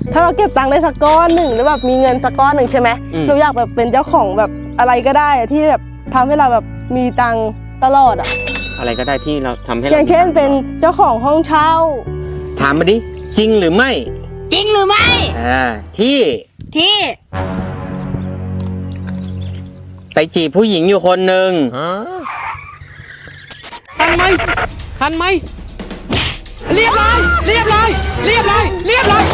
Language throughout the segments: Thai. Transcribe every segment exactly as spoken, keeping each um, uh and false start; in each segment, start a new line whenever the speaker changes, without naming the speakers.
ถ้าเราเก็บตังค์ได้สักก้อนหนึ่งหรือแบบมีเงินสักก้อนหนึ่งใช่ไหมเราอยากแบบเป็นเจ้าของแบบอะไรก็ได้ที่แบบทำให้เราแบบมีตังค์ตลอดอะ
อะไรก็ได้ที่เราทำให้
อย่างเช่นเป็นเจ้าของห้องเช่า
ถามมาดิจริงหรือไม่
จริงหรือไม่
อ่าที่
ที่
ไปจีบผู้หญิงอยู่คนหนึ่งทันไหมทันไหมเรียบร้อยเรียบร้อยเรียบร้อยเรียบร้อย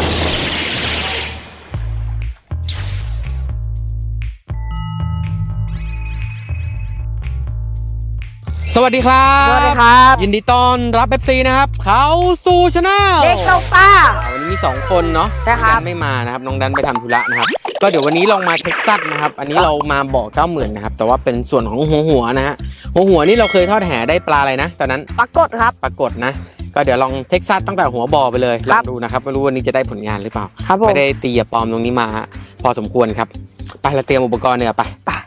สวัสดีครับ
สวัสดีครับ
ยินดีต้อนรับ เอฟ ซี นะครับเขาสู่ชาแนล
เด็กตกปลา
วันนี้มีสองคนเนาะ
ใช่ครับ
ดันไม่มานะครับน้องดันไปทำธุระนะครับก็เดี๋ยววันนี้ลองมาเท็กซัสนะครับอันนี้เรามาบ่อเก้าหมื่นนะครับแต่ว่าเป็นส่วนของหัวหัวนะฮะหัวหัวนี่เราเคยทอดแห่ได้ปลาอะไรนะตอนนั้น
ปรากฏครับ
ปรากฏนะก็เดี๋ยวลองเท็กซัสตั้งแต่หัวบ่อไปเลยลองดูนะครับไม่รู้วันนี้จะได้ผลงานหรือเปล่าไม่ได้ตีปลอมตรงนี้มาพอสมควรครับไปเราเตรียมอุปกรณ์เนี่ยไป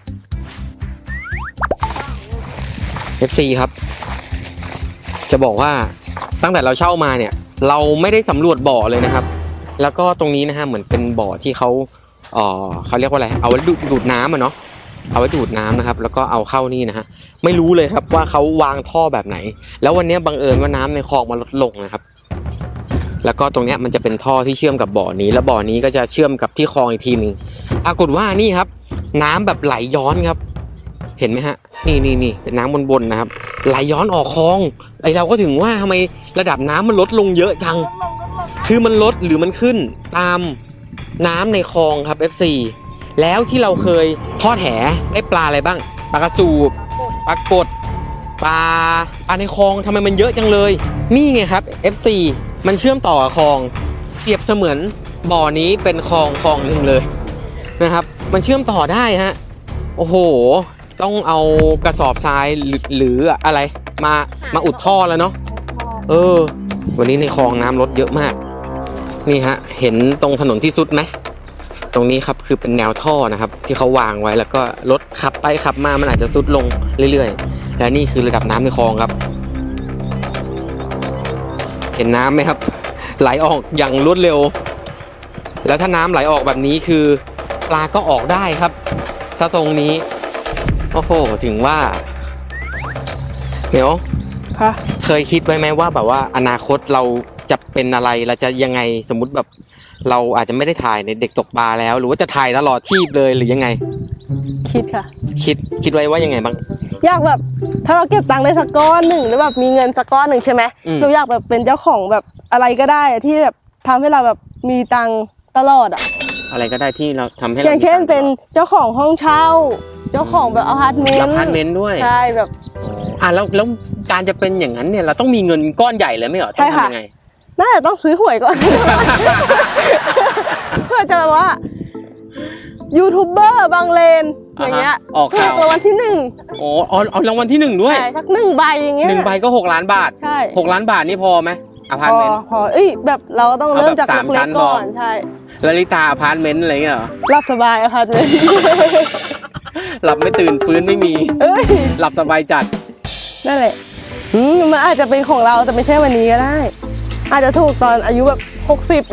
เอฟ ซี ครับจะบอกว่าตั้งแต่เราเช่ามาเนี่ยเราไม่ได้สำรวจบ่อเลยนะครับแล้วก็ตรงนี้นะฮะเหมือนเป็นบ่อที่เขาเอ่อเขาเรียกว่าอะไรเอาไว้ดูดน้ำอะเนาะเอาไว้ดูดน้ำนะครับแล้วก็เอาเข้านี่นะฮะไม่รู้เลยครับว่าเขาวางท่อแบบไหนแล้ววันนี้บังเอิญว่าน้ำในคลองมันลดลงนะครับแล้วก็ตรงนี้มันจะเป็นท่อที่เชื่อมกับบ่อนี้แล้วบ่อนี้ก็จะเชื่อมกับที่คลองอีกทีนึงปรากฏว่านี่ครับน้ำแบบไหลย้อนครับเห็นไหมฮะนี่นี่นี่เป็นน้ำบนๆนะครับไหลย้อนออกคลองไอเราก็ถึงว่าทำไมระดับน้ำมันลดลงเยอะจังคือมันลดหรือมันขึ้นตามน้ำในคลองครับ เอฟ ซี แล้วที่เราเคยทอดแหได้ปลาอะไรบ้างปลากระสูบปลากดปลาปลาในคลองทำไมมันเยอะจังเลยนี่ไงครับ เอฟ ซี มันเชื่อมต่อกับคลองเปรียบเสมือนบ่อนี้เป็นคลองคลองหนึ่งเลยนะครับมันเชื่อมต่อได้ฮะโอ้โหต้องเอากระสอบทรายหรืออะไรมามาอุดท่อแล้วเนาะเออวันนี้ในคลองน้ำลดเยอะมากนี่ฮะเห็นตรงถนนที่สุดไหมตรงนี้ครับคือเป็นแนวท่อนะครับที่เขาวางไว้แล้วก็รถขับไปขับมามันอาจจะสุดลงเรื่อยๆและนี่คือระดับน้ำในคลองครับเห็นน้ำไหมครับไหลออกอย่างรวดเร็วแล้วถ้าน้ำไหลออกแบบนี้คือปลาก็ออกได้ครับถ้าทรงนี้โอ้โหถึงว่าเดี๋ยวเคยคิดไว้ไหมว่าแบบว่าอนาคตเราจะเป็นอะไรเราจะยังไงสมมุติแบบเราอาจจะไม่ได้ถ่ายในเด็กตกปลาแล้วหรือว่าจะถ่ายตลอดชีพเลยหรือยังไง
คิดค่ะ
คิดคิดไว้ว่ายังไงบ้าง
อยากแบบถ้าเราเก็บตังค์ได้สักก้อนหนึ่งหรือแบบมีเงินสักก้อนหนึ่งใช่ไหมเราอยากแบบเป็นเจ้าของแบบอะไรก็ได้ที่แบบทำให้เราแบบมีตังค์ตลอดอะ
อะไรก็ได้ที่เราทำให้
อย่างเช่นเป็นเจ้าของห้องเช่าเจ้าของแบบอพาร์ตเมนต์
อพาร์ตเมนต์ด้วย
ใช่แบบ
อ่ะแล้วแล้วการจะเป็นอย่างนั้นเนี่ยเราต้องมีเงินก้อนใหญ่เลยไม่เหรอต้องทำยังไง
น่าจะต้องซื้อหวยก่อนเพื่อจะแบบว่ายูทูบเบอร์บางเลนอย่างเงี้ย
ออกข่าว
รางวัลที่หนึ่ง
โอ้เอารางวัลที่หนึ่งด้วย
ใช่สักหนึ่งใบอย่างเงี้ย
หนึ่งใบก็หกล้านบาท
ใช่
หกล้านบาทนี่พอไหมอพาร์ตเมนต์
พอเอ้ยแบบเราต้องเริ่มจากเล็กๆก่อนใช่
ลลิตาอพาร์ตเมนต์อะไรเงี้ยเหรอ
หลับสบายอพาร์ตเมนต์
หลับไม่ตื่นฟื้นไม่มีหลับสบายจัด
นั่นแหละมันอาจจะเป็นของเราแต่ไม่ใช่วันนี้ก็ได้อาจจะถูกตอนอายุแบบหกสิบ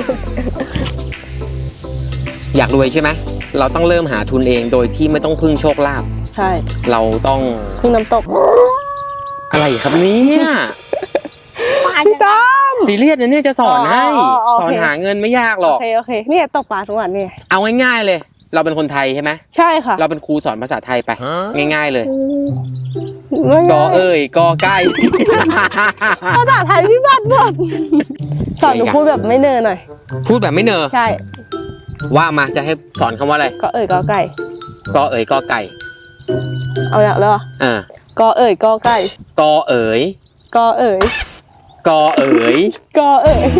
อยากรวยใช่ไหมเราต้องเริ่มหาทุนเองโดยที่ไม่ต้องพึ่งโชคลาภ
ใช่
เราต้อง
พึ่งน้ำตก
อะไรครับเนี่ย
พี่ต้อม
ซีเรียสนะเนี่ยจะสอนให้สอนหาเงินไม่ยากหรอก
โอเคโอเคเนี่ยตกปลาทุกวันเนี่ย
เอาง่ายๆเลยเราเป็นคนไทยใช่ไหม
ใช่ค่ะ
เราเป็นครูสอนภาษาไทยไปง่ายๆเลยกอเอ่ยกอไก่
ภาษาไทยพี่บัดหมดสอนหนูพูดแบบไม่เนอหน่อย
พูดแบบไม่เนอ
ใช่
ว่ามาจะให้สอนคำว่าอะไร
กอเอ่ยกอไก่
กอเอ่ยกอไก่
เอาอย่างแล้ว
อ่
ากอเอ่ยกอไก่
กอเอ่ย
กอเอ่ย
กอเอ๋ย
กอเอ๋ย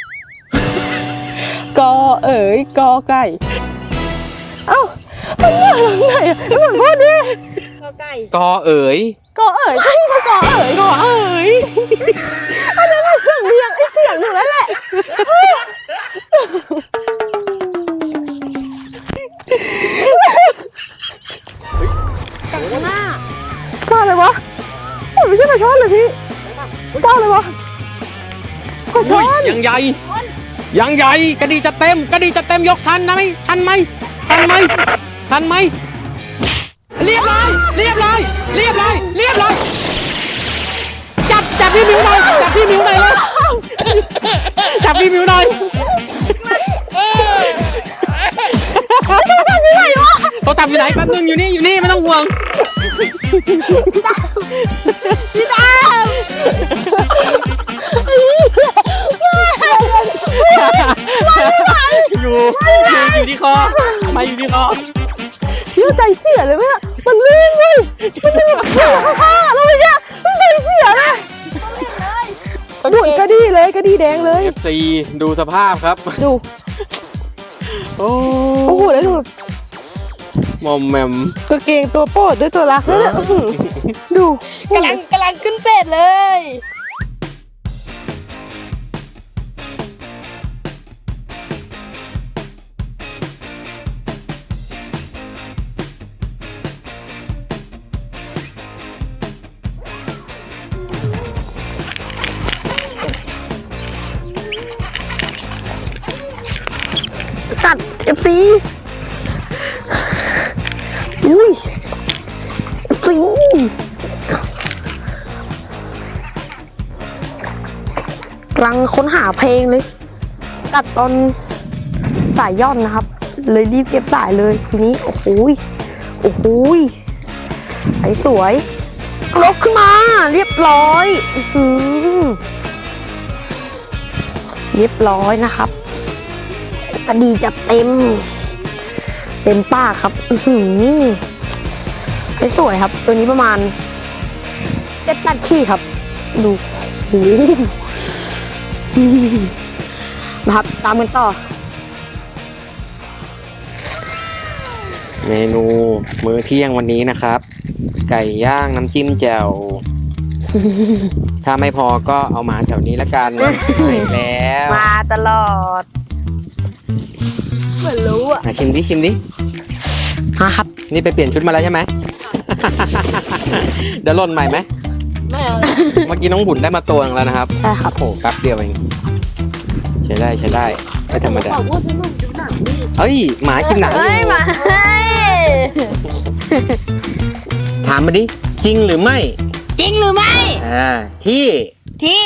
กอเอ๋ยกอไก่เอ้ามันมาทางไหนอ่ะเหมือนพูดดิ
กอไก่
กอเอ๋ย
กอเอ๋ยก็นี่ก็กอเอ๋ย
กอเอ๋ย
อันนั้นมันเสียงเรียงไอ้เสียงอยู่แล้วแหละ
แต่หน้า
ก้าเลยวะไม่ใช่ปลาช้อนเลยพี่ก้าเลยวะปลาช้อน
ยังใหญ่ยังใหญ่กระดีจะเต็มกระดีจะเต็มยกทันนะไหมทันไหมทันไหมทันไหมเรียบร้อยเรียบร้อยเรียบร้อยเรียบร้อยจับจับพี่มิวหน่อยจับพี่มิวหน่อยเลยจับพี่มิวหน่อยเขาจับอยู่ไหนแป๊บนึงอยู่นี่อยู่นี่ไม่ต้องห่วง
พี่ดาว
อยู่อยู่ที่คอมาอยู่ที่คอ
พี่ใจเสียเลยไหมอะมันลื่นเว้ยมันลื่นแบบเสียข้างๆแล้วมันเนี่ยมันใจเสียเลยดุยกระดีเลยกระดีแดงเลย
เอฟ ซี ดูสภาพครับ
ดู
โอ้
โอ้โหแล้วดู
มอมแมม
กางเกงตัวโปรดด้วยตัวรักนั่นแหละอื้อหือดู
กำลังกำลังขึ้นเป็ดเลย
กัดเอฟซีอุ้ยเอฟซีกำลังค้นหาเพลงเลยกัดตอนสายย่อนนะครับ เลยรีบเก็บสายเลยทีนี้โอ้โหยโอ้โหยไอ้สวยลกขึ้นมาเรียบร้อยอื้อหือเรียบร้อยนะครับกระดีจับเต็มเต็มป้ากครับอือหือไอ้สวยครับตัวนี้ประมาณเจ็ดแปดขี้ครับดูโอ้โหนะครับตามกันต่อ
เมนูมื้อเที่ยงวันนี้นะครับ ไก่ย่างน้ำจิ้มแจ่ว ถ้าไม่พอก็เอามาแถวนี้ละกันไปแล้ว
มาตลอดเหมือนรู้อ่ะ
มาชิมดิชิมดิ
มาครับ
นี่ไปเปลี่ยนชุดมาแล้วใช่ไหม เดี๋ยวหล่นใหม่ไหม
ไม่เอา
เมื่อกี้น้องบุญได้มาตัวหนึงแล้วนะครับ
ได้ครับ
โอ้โหแป๊บเดียวเองใช้ได้ใช้ได้ไม่ธรรมดาเฮ้ยหมากินหนัง
เฮ้ยมาให้
ถามมาดิจริงหรือไม่
จริงหรือไม่
อ่าที่
ที่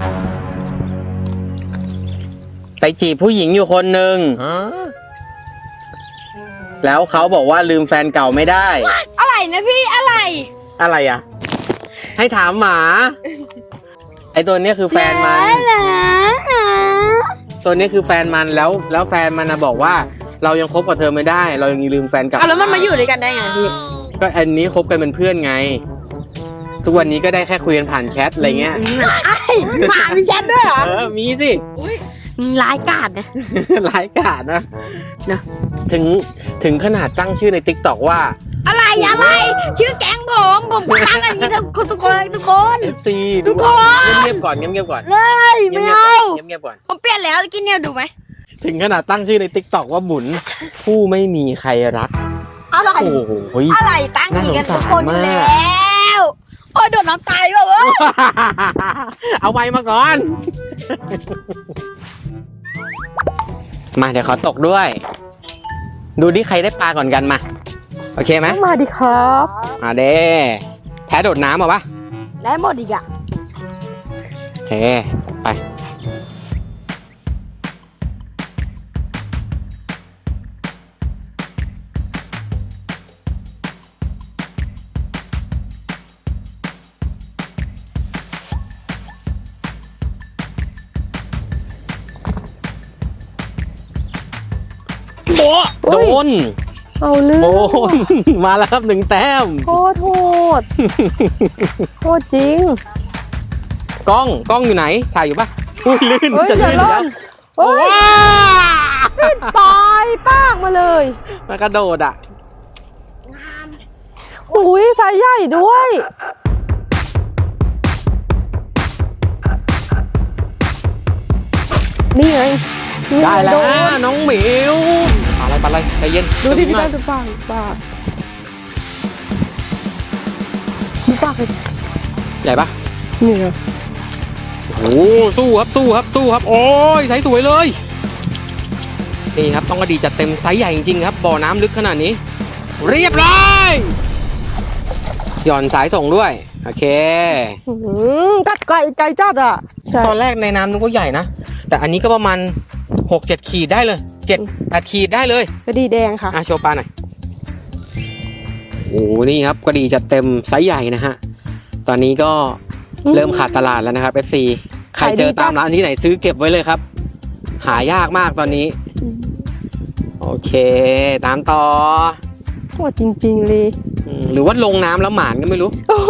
ไปจีบผู้หญิงอยู่คนหนึ่งแล้วเขาบอกว่าลืมแฟนเก่าไม่ได้
อะไรนะพี่อะไร
อะไรอ่ะ ให้ถามหมา ไอตัวเนี้ยคือแฟนมัน
เหรอ
ตัวนี้คือแฟนมันแล้ว แล้วแฟนมันนะบอกว่า เรายังคบกับเธอไม่ได้ เรายังลืมแฟนเก่า
เอาแล้วมันมาอยู่ด้วยกันได้ไงพี่
ก็อันนี้คบกันเป็นเพื่อนไง ทุกวันนี้ก็ได้แค่คุยกันผ่านแชทอะไรเงี้ย
ไอ้หมามีแชทด้วยเหรอ
เออมีสิ
ร้ายกาจนะ
ร้ายกาจนะ
นะ
ถึงถึงขนาดตั้งชื่อใน ติ๊กต็อก ว่า
อะไรอะไรชื่อแก๊งผมผมตั้งอันนี้ทุกคนทุกคนทุกคน
เอฟ ซี
ทุกคน
เงียบๆก่อนเงียบๆก่อน
เลยไม่เอา
เงียบๆก่อน
ผมเปลี่ยนแล้วกินเนี่ยดูไหม
ถึงขนาดตั้งชื่อใน ติ๊กต็อก ว่าบุญผู้ไม่มีใครรัก
อะไร
โอ้โห
อะไรตั้งอีกกันทุกคนอยู่
น่าสงสารมาก
แล้วโอ้ยโดนน้ำตายว่ะเว้ย
เอาไว้มาก่อน มาเดี๋ยวขอตกด้วย ดูดิใครได้ปลาก่อนกันมา โอเคไหม
มาดิครับ
มาเด้แพ้โดดน้ำเหรอปะ
ได้หมดอีกอ่ะ
เฮ้ไปโอ้โดน
เอาเรื่อง
โดน มาแล้วครับหนึ่งแต้ม
โคตรโหดโหดจริง
กล้องกล้องอยู่ไหนถ่ายอยู่ปะอุ้ยลื่น
เฮ้ย
จะ
อย่า
ลื่น
ล่
แล้ว
นเฮ้ย
ว้า
ติดปลายปากมาเลย
มากระโดดอ่ะ
อุ้ยสายใหญ่ด้วย นี่ไงนี่
ได้แล้ว
โน
นะน้องหมิวอะไรปะอะไรใจเย็น
ดูดิ
ตึ
พี่
งหน่
ได้
อย
ดูปากดูปากดูปากเลย
ใหญ่ปะ
นี่ไง
โอ้โหสู้ครับสู้ครับสู้ครับ โอ้ยใส่สวยเลยนี่ครับต้องกระดีจัดเต็มไซส์ใหญ่จริงๆครับบ่อน้ำลึกขนาดนี้ เรียบร้อยหย่อนสายส่งด้วยโอเค
อืมกัดไก่ไก่จัดอ่ะใช่
ตอนแรกในน้ำนึกว่าใหญ่นะแต่อันนี้ก็ประมาณหกเจ็ดขีดได้เลยเจ็ดแปดขีดได้เลย
กระดีแดงค่ะ
อ่ะโชว์ปลาหน่อยโอ้โหนี่ครับกระดีจัดเต็มไซส์ใหญ่นะฮะตอนนี้ก็เริ่มขาดตลาดแล้วนะครับ เอฟ ซี ใครเจอตามร้านที่ไหนซื้อเก็บไว้เลยครับ หายากมากตอนนี้ โอเค ตามต่อ
โหดจริงๆเลย
อืมหรือว่าลงน้ำแล้วหมานก็ไม่รู้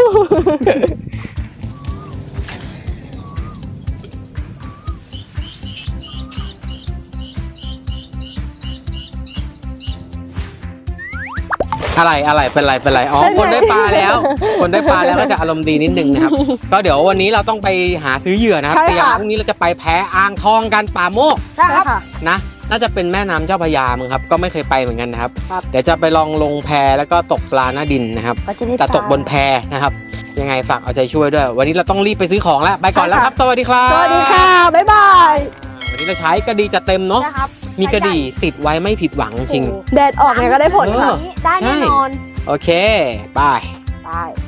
อะไรอะไรเป็นไรเป็นไรอ๋อคนได้ปลาแล้ว คนได้ปลาแล้วก็จะอารมณ์ดีนิดนึงนะครับ ก็เดี๋ยววันนี้เราต้องไปหาซื้อเหยื่อนะครับ
ใช่
เตรียม
ค่ะ
พรุ่งนี้เราจะไปแพอ่างทองกันป่าโมก
ใช่ค่ะ
นะน่าจะเป็นแม่น้ำเจ้าพระยามั้งครับ ก็ไม่เคยไปเหมือนกันนะครับ
ครับ
เดี๋ยวจะไปลองลงแพแล้วก็ตกปลาหน้าดินนะครับ
ก็จะได้
แต่ตกบนแพนะครับ ยังไงฝากเอาใจช่วยด้วย วันนี้เราต้องรีบไปซื้อของแล้ว ไปก่อนแล้วครับ สวัสดีครับ
สวัสดีค่ะ บ๊ายบาย
วันนี้เราใช้กระดีจัดเต็มเนาะ
นะครับ
มีกระดีติดไว้ไม่ผิดหวังจริง
แดดออกไงก็ได้ผลค่ะ
ได้แน่นอน
โอเค ไป
ไป